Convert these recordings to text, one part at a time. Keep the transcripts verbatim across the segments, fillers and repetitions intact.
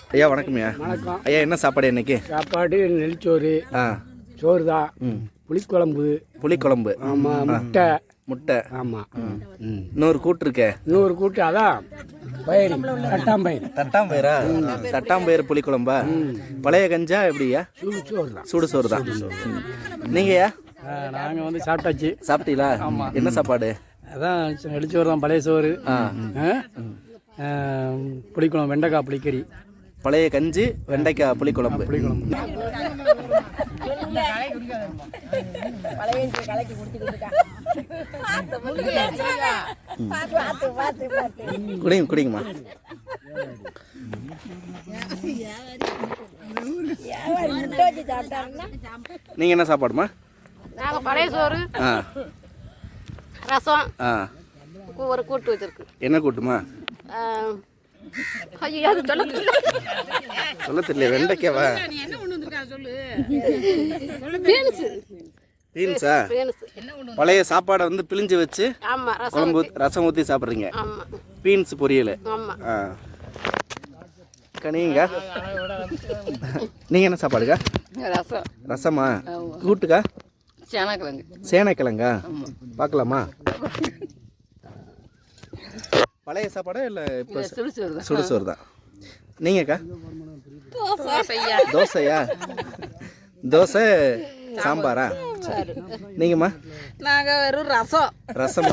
ஐயா வணக்கம்யா. வணக்கம் ஐயா. என்ன சாப்பாடு இன்னைக்கு? சாப்பாடு நெல்சோறு, ஆ சோறு தான், புளிக்குழம்பு. புளிக்குழம்பு. ஆமாம். முட்டை. முட்டை. ஆமாம். இன்னொரு கூட்டு இருக்க. இன்னொரு கூட்டு அதான் பயிர், தட்டாம்பயிர். தட்டாம்பயிரா? தட்டாம்பயிர் புளிக்குழம்பா? பழைய கஞ்சா எப்படியா? சுடு சோறு தான். சுடு சோறு தான். நீங்கய்யா? நாங்கள் வந்து சாப்பிட்டாச்சு. சாப்பிட்டீங்களா? என்ன சாப்பாடு? அதான் நெல்சோறு தான், பழைய சோறு. புளிக்குழம்பு, வெண்டைக்காய் புளிக்கறி. பழைய கஞ்சி, வெண்டைக்காய் புளிக்குழம்பு. புளிக்குழம்பு. குடிங்க குடிங்கம்மா. நீங்க என்ன சாப்பாடுமா? நாங்கள் பழைய சோறு, ஆ ரசம், ஆ ஒரு கூட்டு வச்சிருக்கு. என்ன கூட்டுமா? ஐயோ அது சொல்ல சொல்ல தெரியல. வெண்டைக்காவா? பீன்ஸா? பழைய சாப்பாடை வந்து பிழிஞ்சு வச்சு குழம்பு ரசம் ஊற்றி சாப்பிட்றீங்க. பீன்ஸ் பொரியல். ஆ கனிங்க. நீங்கள் என்ன சாப்பாடுக்கா? ரசம். ரசமா? கூட்டுக்கா? சேனக்கிழங்கு. சேனைக்கிழங்கா? பார்க்கலாமா? பழைய சாப்பாடா இல்லை இப்போ? சுடுசோறு தான். நீங்கக்கா? தோசையா? தோசை சாம்பாரா? சரி. நீங்கம்மா? நாங்கள் வெறும் ரசம். ரசமா?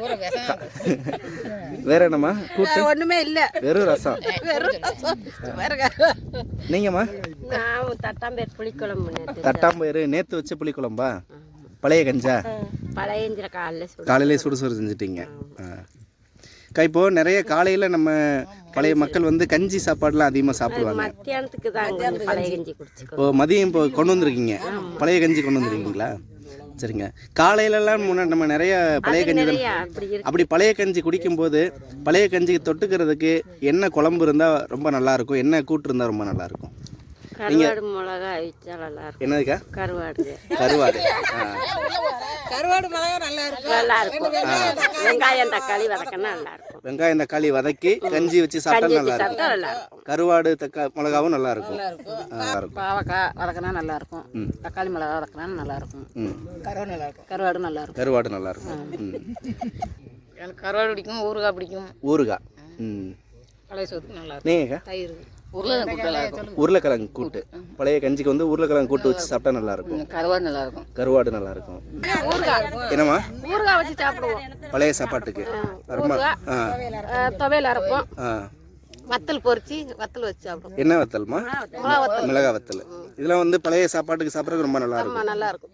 வேற என்னம்மா? கூட்டு ஒன்றுமே இல்லை, வெறும் ரசம். வெறும் ரசம். நீங்கம்மா? நான் தட்டாம்பயிர் புளிக்குழம்பு. தட்டாம்பயிறு நேற்று வச்ச புளிக்குழம்பா? பழைய கஞ்சா? பழைய காலையில் காலையிலே சுடுசோறு செஞ்சுட்டீங்க. அக்கா, இப்போது நிறைய காலையில் நம்ம பழைய மக்கள் வந்து கஞ்சி சாப்பாடுலாம் அதிகமாக சாப்பிடுவாங்க. மத்தியானத்துக்கு தான் பழைய கஞ்சி குடிச்சுக்கோ. இப்போ மதியம் இப்போ கொண்டு வந்துருக்கீங்க, பழைய கஞ்சி கொண்டு வந்துருக்கீங்களா? சரிங்க. காலையிலலாம் முன்னாடி நம்ம நிறைய பழைய கஞ்சி, அப்படி பழைய கஞ்சி குடிக்கும்போது பழைய கஞ்சிக்கு தொட்டுக்கிறதுக்கு என்ன குழம்பு இருந்தால் ரொம்ப நல்லாயிருக்கும், என்ன கூட்டு இருந்தால் ரொம்ப நல்லாயிருக்கும்? கருவாடு மிளகா வச்சா நல்லா இருக்கும். என்னதுக்கா? கருவாடு. கருவாடு. கருவாடு மிளகா நல்லா இருக்கும். நல்லா இருக்கும். வெங்காயம் தக்காளி வதக்கினா நல்லா இருக்கும். வெங்காயம் தக்காளி வதக்கி கஞ்சி வச்சு சாப்பிட்டா நல்லா இருக்கும். கருவாடு தக்காளி மிளகாவும் நல்லா இருக்கும். பாவக்காய் வதக்கினா நல்லா இருக்கும். தக்காளி மிளகா வதக்கினா நல்லா இருக்கும். கருவாடு நல்லா இருக்கும். கருவாடு நல்லா இருக்கும். கருவாடு நல்லா இருக்கும். எனக்கு கருவாடு பிடிக்கும், ஊறுகாய் பிடிக்கும். ஊறுகாய். ம் பழைய சோத்துக்கு நல்லா இருக்கும். நீங்கள்? தயிர். உருளைக்கிழங்கு. உருளைக்கிழங்கு கூட்டு, பழைய கஞ்சிக்கு வந்து உருளைக்கிழங்கு கூட்டு வச்சு சாப்பிட்டா நல்லா இருக்கும். கருவாடு நல்லா இருக்கும். கருவாடு நல்லா இருக்கும். என்னம்மா? ஊறுகாய் வச்சு சாப்பிடுவோம் பழைய சாப்பாட்டுக்கு. துவையல் அரைப்போம், வத்தல் பொரிச்சு வத்தல் வச்சு சாப்பிடுவோம். என்ன வத்தல்மா? மிளகா வத்தல். இதெல்லாம் வந்து பழைய சாப்பாட்டுக்கு சாப்பிட்றதுக்கு ரொம்ப நல்லா இருக்கும். நல்லா இருக்கும்.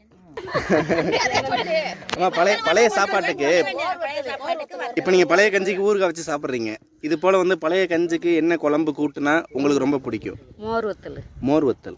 பழைய பழைய சாப்பாட்டுக்கு இப்போ நீங்கள் பழைய கஞ்சிக்கு ஊறுகாய் வச்சு சாப்பிட்றீங்க. இது போல் வந்து பழைய கஞ்சிக்கு என்ன குழம்பு கூட்டுனா உங்களுக்கு ரொம்ப பிடிக்கும்? மோர் வத்தல். மோர் வத்தல்.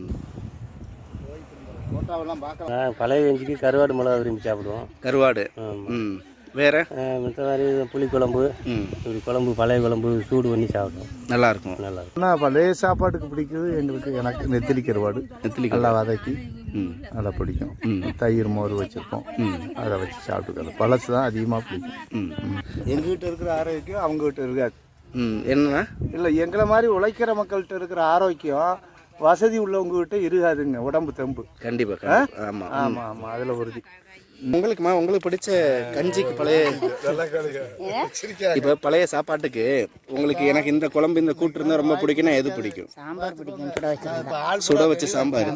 பழைய கஞ்சிக்கு கருவாடு மிளகா விரும்பி சாப்பிடுவோம். கருவாடு. ம் வேறு மற்ற மாதிரி புளிக்குழம்பு, இப்படி குழம்பு பழைய குழம்பு சூடு பண்ணி சாப்பிடுவோம். நல்லாயிருக்கும். நல்லாயிருக்கும். ஆனால் பழைய சாப்பாட்டுக்கு பிடிக்குது எங்களுக்கு, எனக்கு நெத்திலி கருவாடு. நெத்திலி நல்லா வதக்கி நல்லா பிடிக்கும். தயிர் மோர் வச்சுருப்போம், அதை வச்சு சாப்பிட்டுக்கலாம். பழசு தான் அதிகமாக பிடிக்கும். எங்ககிட்ட இருக்கிற ஆரோக்கியம் அவங்ககிட்ட இருக்காது. என்னன்னா இல்லை, எங்களை மாதிரி உழைக்கிற மக்கள்கிட்ட இருக்கிற ஆரோக்கியம் வசதி உள்ளவங்ககிட்ட இருக்காதுங்க. உடம்பு தெம்பு கண்டிப்பாக. ஆமாம் ஆமாம் ஆமாம், அதில் உறுதி. உங்களுக்குமா உங்களுக்கு பிடிச்ச கஞ்சிக்கு பழைய இப்போ பழைய சாப்பாட்டுக்கு உங்களுக்கு எனக்கு இந்த குழம்பு இந்த கூட்டு இருந்தால் ரொம்ப பிடிக்கும்னா எது பிடிக்கும்? சாம்பார் பிடிக்கும். சுட வச்சு சாம்பார்.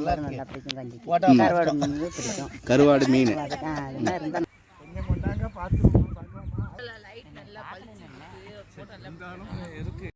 கருவாடு மீன். இருக்கு